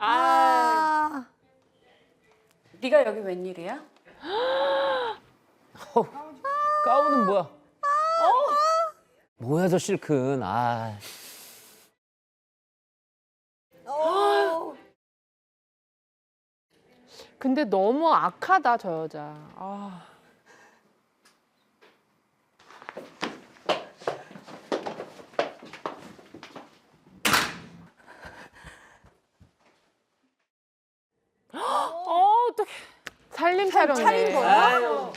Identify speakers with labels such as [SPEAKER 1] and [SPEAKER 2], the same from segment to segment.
[SPEAKER 1] 아.
[SPEAKER 2] 네가 여기 웬일이야?
[SPEAKER 3] 가운은 뭐야? 뭐야 저 실큰. 아.
[SPEAKER 1] 근데 너무 악하다 저 여자. 아. 어떡해. 살림 차렸네.
[SPEAKER 4] 차린 거야?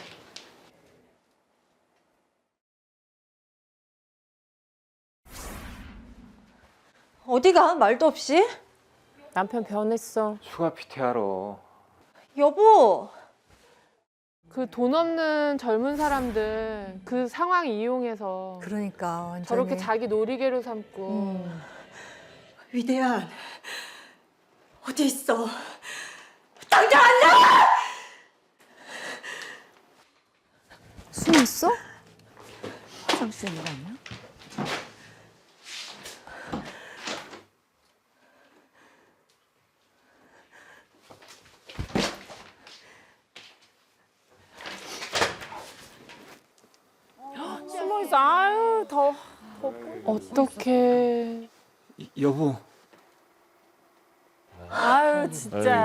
[SPEAKER 4] 어디가? 말도 없이?
[SPEAKER 1] 남편 변했어.
[SPEAKER 5] 휴가 PT하러.
[SPEAKER 4] 여보,
[SPEAKER 1] 그 돈 없는 젊은 사람들 그 상황 이용해서
[SPEAKER 6] 그러니까 완전히.
[SPEAKER 1] 저렇게 자기 놀이개로 삼고.
[SPEAKER 4] 위대한 어디 있어? 당장 안 나와!
[SPEAKER 6] 숨 있어? 화장실에 있는 거 아니야?
[SPEAKER 1] 숨어 있어. 아유 더. 어떡해.
[SPEAKER 5] 여보.
[SPEAKER 1] 아유 진짜.